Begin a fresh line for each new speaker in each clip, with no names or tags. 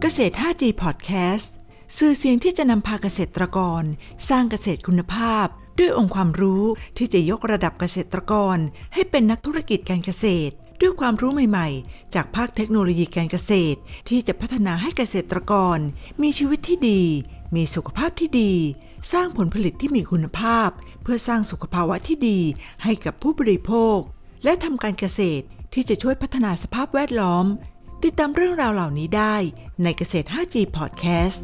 เกษตร 5G Podcast สื่อเสียงที่จะนำพาเกษตรกรสร้างเกษตรคุณภาพด้วยองค์ความรู้ที่จะยกระดับเกษตรกรให้เป็นนักธุรกิจการเกษตรด้วยความรู้ใหม่ๆจากภาคเทคโนโลยีการเกษตรที่จะพัฒนาให้เกษตรกรมีชีวิตที่ดีมีสุขภาพที่ดีสร้างผลผลิตที่มีคุณภาพเพื่อสร้างสุขภาวะที่ดีให้กับผู้บริโภคและทำการเกษตรที่จะช่วยพัฒนาสภาพแวดล้อมติดตามเรื่องราวเหล่านี้ได้ในเกษตร 5G Podcast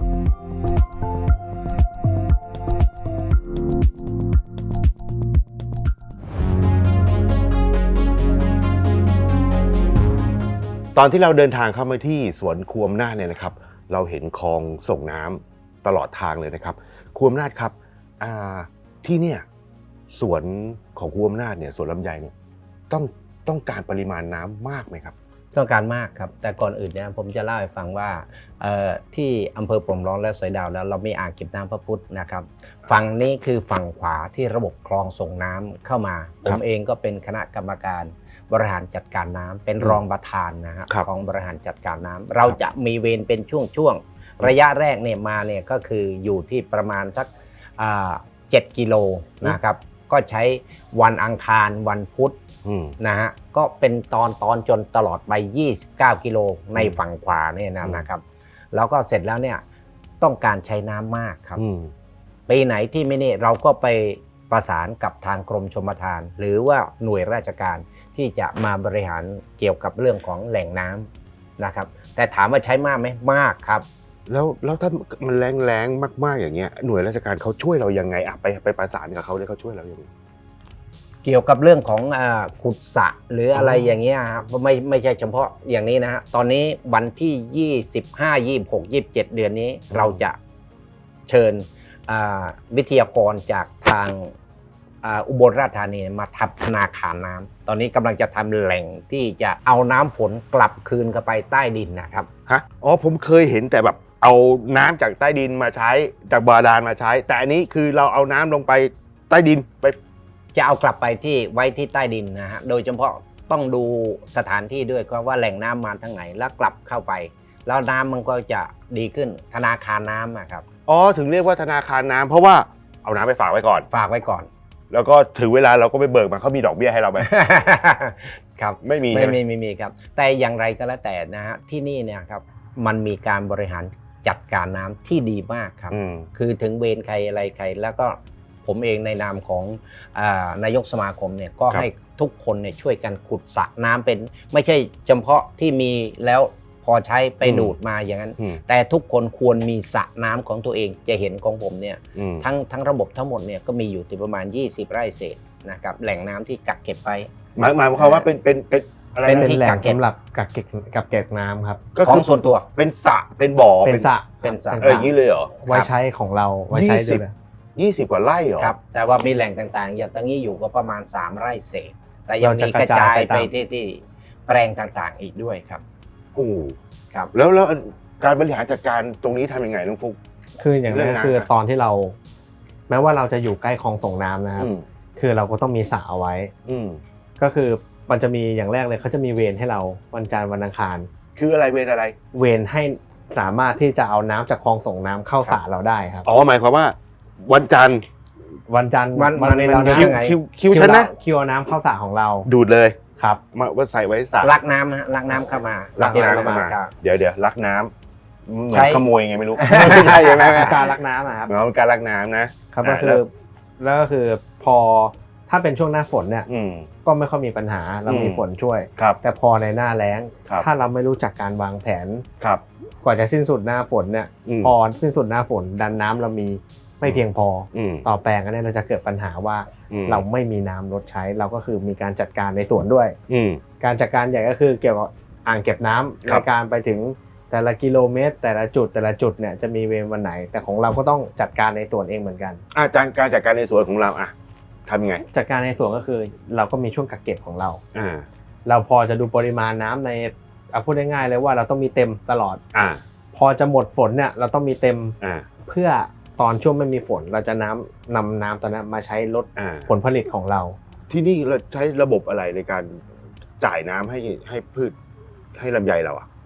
ตอนที่เราเดินทางเข้ามาที่สวนครูอำนาจเนี่ยนะครับเราเห็นคลองส่งน้ำตลอดทางเลยนะครับครูอำนาจครับที่เนี่ยสวนของครูอำนาจเนี่ยสวนลำไยเนี่ยต้องการปริมาณน้ำมากไหมครับ
ต้องการมากครับแต่ก่อนอื่นเนี่ยผมจะเล่าให้ฟังว่าที่อำเภอโป่งร้อนและสอยดาวแล้วเรามีอ่างเก็บน้ำพระพุทธนะครับฝั่งนี้คือฝั่งขวาที่ระบบคลองส่งน้ำเข้ามาผมเองก็เป็นคณะกรรมการบริหารจัดการน้ำเป็นรองประธานนะฮะของบริหารจัดการน้ำเราจะมีเวรเป็นช่วงระยะแรกเนี่ยมาเนี่ยก็คืออยู่ที่ประมาณสัก7 กิโลนะครับก็ใช้วันอังคารวันพุธนะฮะก็เป็นตอนจนตลอดไป29 กิโลในฝั่งขวาเนี่ยนะครับแล้วก็เสร็จแล้วเนี่ยต้องการใช้น้ำมากครับปีไหนที่ไม่นี่เราก็ไปประสานกับทางกรมชลประทานหรือว่าหน่วยราชการที่จะมาบริหารเกี่ยวกับเรื่องของแหล่งน้ำนะครับแต่ถามว่าใช้มากไหมมากครับ
แล้วถ้ามันแรงมากๆอย่างเงี้ยหน่วยราชการเขาช่วยเรายังไงไปประสานกับเขาเนี่ยเขาช่วยเรายังไง
เกี่ยวกับเรื่องของขุดสระหรืออะไรอย่างเงี้ยครับไม่ใช่เฉพาะอย่างนี้นะฮะตอนนี้วันที่25 26 27เดือนนี้เราจะเชิญวิทยากรจากทางอุบลราชธานีมาทำธนาคารน้ำตอนนี้กำลังจะทำแหล่งที่จะเอาน้ำฝนกลับคืนเข้าไปใต้ดินนะครับ
ฮะอ๋อผมเคยเห็นแต่แบบเอาน้ำจากใต้ดินมาใช้จากบาดาลมาใช้แต่อันนี้คือเราเอาน้ำลงไปใต้ดินไป
จะเอากลับไปที่ไว้ที่ใต้ดินนะฮะโดยเฉพาะต้องดูสถานที่ด้วยว่าแหล่งน้ำมาทางไหนแล้วกลับเข้าไปแล้วน้ำมันก็จะดีขึ้นธนาคารน้ำครับ
อ๋อถึงเรียกว่าธนาคารน้ำเพราะว่าเอาน้ำไปฝากไว้ก่อนแล้วก็ถึงเวลาเราก็ไปเบิกมาเขามีดอกเบี้ยให้เราไหม
ครับ
ไม่มี
ครับแต่อย่างไรก็แล้วแต่นะฮะที่นี่เนี่ยครับมันมีการบริหารจัดการน้ำที่ดีมากครับคือถึงเวรใครอะไรใครแล้วก็ผมเองในนามของนายกสมาคมเนี่ยก็ให้ทุกคนเนี่ยช่วยกันขุดสระน้ำเป็นไม่ใช่เฉพาะที่มีแล้วพอใช้ไปดูดมาอย่างนั้นแต่ทุกคนควรมีสระน้ำของตัวเองจะเห็นของผมเนี่ยทั้งระบบทั้งหมดเนี่ยก็มีอยู่ที่ประมาณ20 ไร่เศษนะครับแหล่งน้ำที่กักเก็บไว้
หมายความว่าเป็นอะไร
เป็นแหล่งสำหรับกักเก็บน้ำครับ
ก็คือส่วนตัว
เป็นสระเป็นบ่อ
เป็นสระ
อย่างนี้เลยเหรอ
ไว้ใช้ของเราไว้ใช้ด้วย
20 กว่าไร่เหรอ
ครับแต่ว่ามีแหล่งต่างๆอย่างตรงนี้อยู่ก็ประมาณ3 ไร่เศษแต่ยังมีกระจายไปที่แปลงต่างๆอีกด้วยครับ
ครับแล้วการบริหารจัดการตรงนี้ทำยังไงลุงฟุ๊ก
คืออย่างนี้คือตอนที่เราแม้ว่าเราจะอยู่ใกล้คลองส่งน้ำนะครับคือเราก็ต้องมีสระเอาไว้ก็คือมันจะมีอย่างแรกเลยเขาจะมีเวรให้เราวันจันทร์วันอังคาร
คืออะไรเวรอะไร
เวรให้สามารถที่จะเอาน้ำจากคลองส่งน้ำเข้าสระเราได้ครับ
อ๋อหมายความว่าวันจันทร์
วันเรา
คิวฉันนะ
คิวเอาน้ำเข้าสระของเรา
ดูดเลย
ครับ
มาว่าใส่ไว้สระ
ลักน้ำเข้ามา
ลักน้ำเข้ามาเดี๋ยวลักน้ำเหมือนขโมยไงไม่รู้ไม่ใช่ไหม
การลักน้ำครับ
การลักน้ำนะครับ
ก็คือพอถ้าเป็นช่วงหน้าฝนเนี่ยก็ไม่ค่อยมีปัญหาเรามีฝนช่วยแต่พอในหน้าแล้งถ้าเราไม่รู้จักการวางแผนกว่าจะสิ้นสุดหน้าฝนเนี่ยพอสิ้นสุดหน้าฝนดันน้ำเรามีไม่เพียงพอต่อแปลงนั้นเราจะเกิดปัญหาว่าเราไม่มีน้ำลดใช้เราก็คือมีการจัดการในสวนด้วยการจัดการใหญ่ก็คือเกี่ยวกับอ่างเก็บน้ำในการไปถึงแต่ละกิโลเมตรแต่ละจุดเนี่ยจะมีเวรวันไหนแต่ของเราก็ต้องจัดการในสวนเองเหมือนกัน
การจัดการในสวนของเราทำยังไง
จัดการในสวนก็คือเราก็มีช่วงกักเก็บของเราเราพอจะดูปริมาณน้ำในพูดง่ายๆเลยว่าเราต้องมีเต็มตลอดพอจะหมดฝนเนี่ยเราต้องมีเต็มเพื่อตอนช่วงไม่มีฝนเราจะนำน้ำตอนนั้นมาใช้ลดผลผลิตของเรา
ที่นี่เราใช้ระบบอะไรในการจ่ายน้ำให้พืชให้ลำไยเรา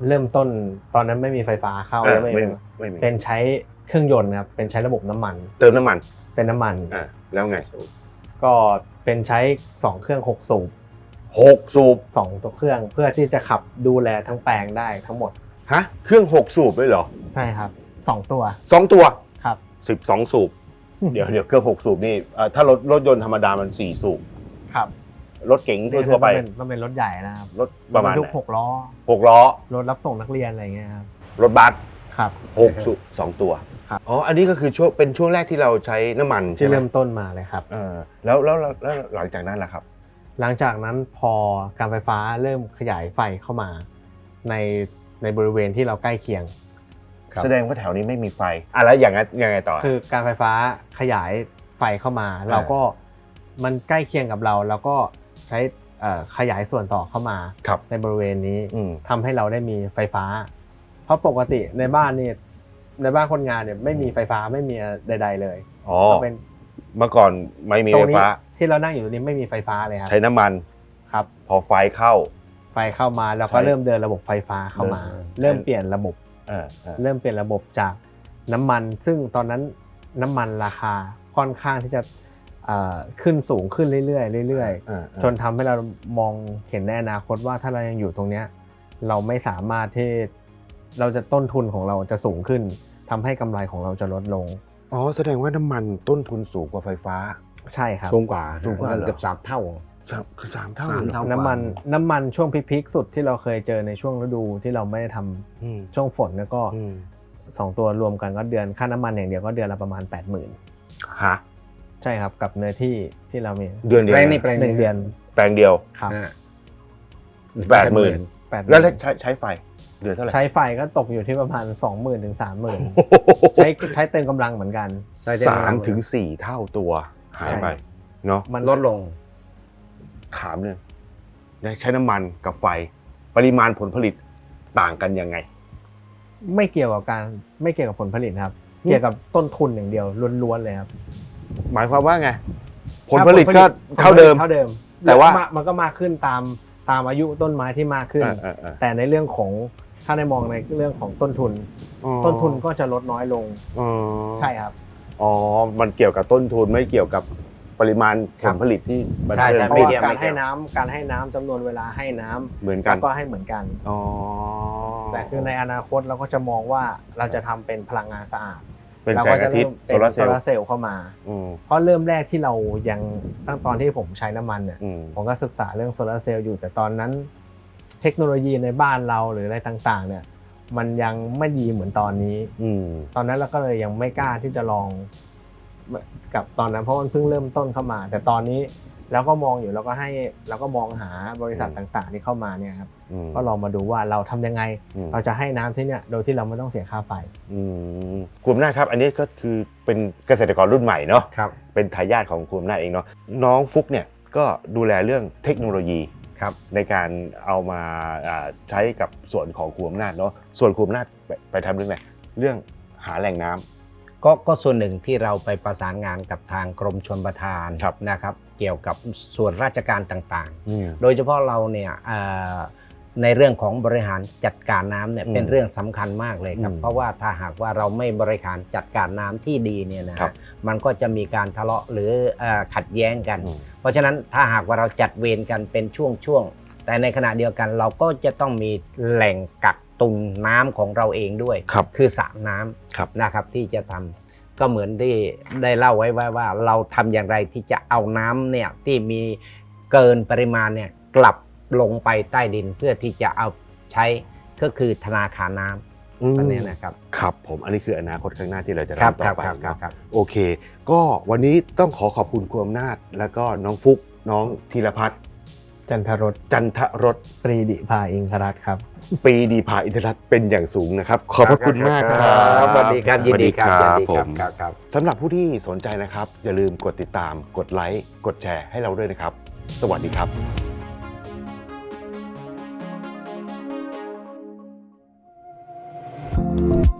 เริ่มต้นตอนนั้นไม่มีไฟฟ้าเข้าแล้วไม่มีเป็นใช้เครื่องยนต์ครับเป็นใช้ระบบน้ำมัน
เติมน้ำมัน
เป็นน้ำมัน
แล้วไง
ก็เป็นใช้2เครื่อง6สูบ2ตัวเครื่องเพื่อที่จะขับดูแลทั้งแปลงได้ทั้งหมด
ฮะเครื่อง6สูบเลยเหรอ
ใช่ครับ2ตัวครับ
12สูบเดี๋ยวเครื่อง6สูบนี่ถ้ารถยนต์ธรรมดามัน4สูบ
ครับ
รถเก๋งทั่วไป
มันเป็นรถใหญ่นะครับ
รถประมาณ
6 ล้อรถรับส่งนักเรียนอะไรเงี้ยครับ
รถบัส
ครับ
6สูบ2ตัวอ๋ออันนี้ก็คือเป็นช่วงแรกที่เราใช้น้ำมัน
ที่เริ่มต้นมาเลยครับ
แล้วหลังจากนั้นล่ะครับ
หลังจากนั้นพอการไฟฟ้าเริ่มขยายไฟเข้ามาในบริเวณที่เราใกล้เคียง
แสดงว่าแถวนี้ไม่มีไฟแล้วอย่างนั้นยังไงต่อ
คือการไฟฟ้าขยายไฟเข้ามาเราก็มันใกล้เคียงกับเราแล้วก็ใช้ขยายส่วนต่อเข้ามาในบริเวณนี้ทำให้เราได้มีไฟฟ้าเพราะปกติในบ้านนี่ในบ้านคนงานเนี่ยไม่มีไฟฟ้าไม่มีใดๆเลย
ก็เป็นเมื่อก่อนไม่มีไฟฟ้า
ที่เรานั่งอยู่ตรงนี้ไม่มีไฟฟ้าเลยครับ
ใช้น้ำมัน
ครับ
พอไฟเข้า
มาแล้วก็เริ่มเดินระบบไฟฟ้าเข้ามาเริ่มเปลี่ยนระบบจากน้ำมันซึ่งตอนนั้นน้ำมันราคาค่อนข้างที่จะขึ้นสูงขึ้นเรื่อยๆจนทำให้เรามองเห็นในอนาคตว่าถ้าเรายังอยู่ตรงนี้เราไม่สามารถที่เราจะต้นทุนของเราจะสูงขึ้นทำให้กำไรของเราจะลดลง
แสดงว่าน้ำมันต้นทุนสูงกว่าไฟฟ้า
ใช่ครับ
สูงกว่าเกือบ3 เท่า
คือ3 เท่า
น้ำมันช่วงพีคสุดที่เราเคยเจอในช่วงฤดูที่เราไม่ได้ทำช่วงฝนแล้วก็2ตัวรวมกันก็เดือนค่าน้ำมันอย่างเดียวก็เดือนละประมาณ 80,000
ฮะ
ใช่ครับกับเนื้อที่เรามี
เดือนเดียว
แปลงเดือน
แปลงเดียว
ครับ
80,000แล้วใช้ไฟเดือนเท่าไหร่
ใช้ไฟก็ตกอยู่ที่ประมาณ 20,000 ถึง 30,000 ใช้เติมกำลังเหมือนกัน
3 ถึง 4 เท่าตัวหายไปเนาะ
มันลดลง
ถามเนี่ยใช้น้ำมันกับไฟปริมาณผลผลิตต่างกันยังไง
ไม่เกี่ยวกับผลผลิตครับเกี่ยวกับต้นทุนอย่างเดียวล้วนๆเลยครับ
หมายความว่าไงผลผลิตก็เท่าเดิม
แต่ว่ามันก็มากขึ้นตามอายุต้นไม้ที่มากขึ้นแต่ในเรื่องของถ้าได้มองในเรื่องของต้นทุนก็จะลดน้อยลงใช่ครับ
มันเกี่ยวกับต้นทุนไม่เกี่ยวกับปริมาณผลผลิตที่
มันเพิ่มขึ้นการให้น้ำจำนวนเวลาให้น้ำ
เหมือนกัน
ก็ให้เหมือนกันแต่คือในอนาคตเราก็จะมองว่าเราจะทำเป็นพลังงานสะอาด
เป็นแสงอาทิตย์โซลาร์
เซลล์เข้ามาเพราะเริ่มแรกที่เรายังตั้งตอนที่ผมใช้น้ำมันเนี่ยผมก็ศึกษาเรื่องโซลาร์เซลล์อยู่แต่ตอนนั้นเทคโนโลยีในบ้านเราหรืออะไรต่างๆเนี่ยมันยังไม่ดีเหมือนตอนนี้ตอนนั้นเราก็เลยยังไม่กล้าที่จะลองกับตอนนั้นเพราะมันเพิ่งเริ่มต้นเข้ามาแต่ตอนนี้เราก็มองอยู่เราก็มองหาบริษัทต่างๆที่เข้ามาเนี่ยครับก็ลองมาดูว่าเราทำยังไงเราจะให้น้ำที่เนี่ยโดยที่เราไม่ต้องเสียค่าไฟ
คุณอำนาจครับอันนี้ก็คือเป็นเกษตรกรรุ่นใหม่เนาะเป็นทายาทของคุณอำนาจเองเนาะน้องฟุกเนี่ยก็ดูแลเรื่องเทคโนโลยีในการเอามาใช้กับส่วนของคุณอำนาจเนาะส่วนคุณอำนาจไปทำเรื่องอะไรเรื่องหาแหล่งน้ำ
ก็ส่วนหนึ่งที่เราไปประสานงานกับทางกรมชลประทานนะครับเกี่ยวกับส่วนราชการต่างๆโดยเฉพาะเราเนี่ยในเรื่องของบริหารจัดการน้ำเนี่ยเป็นเรื่องสำคัญมากเลยครับเพราะว่าถ้าหากว่าเราไม่บริหารจัดการน้ำที่ดีเนี่ยนะมันก็จะมีการทะเลาะหรือขัดแย้งกันเพราะฉะนั้นถ้าหากว่าเราจัดเวรกันเป็นช่วงๆแต่ในขณะเดียวกันเราก็จะต้องมีแหล่งกักตุนน้ำของเราเองด้วยคือสระน้ำนะครับที่จะทำก็เหมือนที่ได้เล่าไว้ว่าเราทำอย่างไรที่จะเอาน้ำเนี่ยที่มีเกินปริมาณเนี่ยกลับลงไปใต้ดินเพื่อที่จะเอาใช้ก็คือธนาคารน้ำอันนี้นะครับ
ครับผมอันนี้คืออนาคตข้างหน้าที่เราจะทำต่อไปครับโอเคก็วันนี้ต้องขอบคุณคุณอำนาจแล้วก็น้องฟุกน้องธีรพัฒน์
จันทรสปรีดิภาอินทรัตน์ครับ
ปรีดีภาอินทรัตน์เป็นอย่างสูงนะครับขอบพระคุณมากครับ
สวัสดีครับยินดีครับผม
สำหรับผู้ที่สนใจนะครับอย่าลืมกดติดตามกดไลค์กดแชร์ให้เราด้วยนะครับสวัสดีครับ